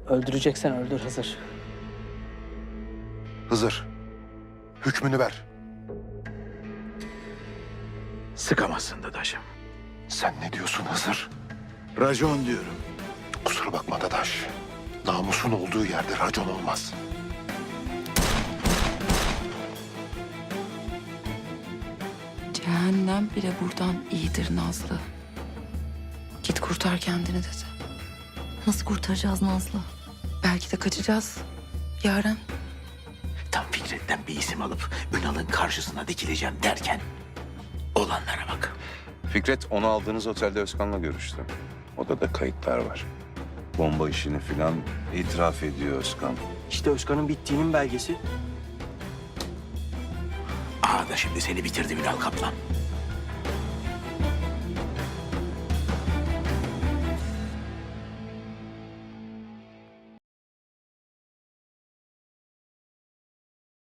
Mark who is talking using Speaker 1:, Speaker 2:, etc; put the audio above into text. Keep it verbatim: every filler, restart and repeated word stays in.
Speaker 1: Öldüreceksen öldür Hızır.
Speaker 2: Hızır, hükmünü ver.
Speaker 3: Sıkamazsın Dadaş'ım.
Speaker 2: Sen ne diyorsun Hızır?
Speaker 3: Racon diyorum.
Speaker 2: Kusura bakma Dadaş. Namusun olduğu yerde racon olmaz.
Speaker 4: Cehennem bile buradan iyidir Nazlı. Git kurtar kendini dedi.
Speaker 5: Nasıl kurtaracağız Nazlı?
Speaker 4: Belki de kaçacağız. Yaren.
Speaker 3: Tam Fikret'ten bir isim alıp Ünal'ın karşısına dikileceğim derken olanlara bak.
Speaker 6: Fikret onu aldığınız otelde Özkan'la görüştü. Odada kayıtlar var. Bomba işini filan itiraf ediyor Özkan.
Speaker 7: İşte Özkan'ın bittiğinin belgesi.
Speaker 3: Ağa da şimdi seni bitirdi Ünal Kaplan.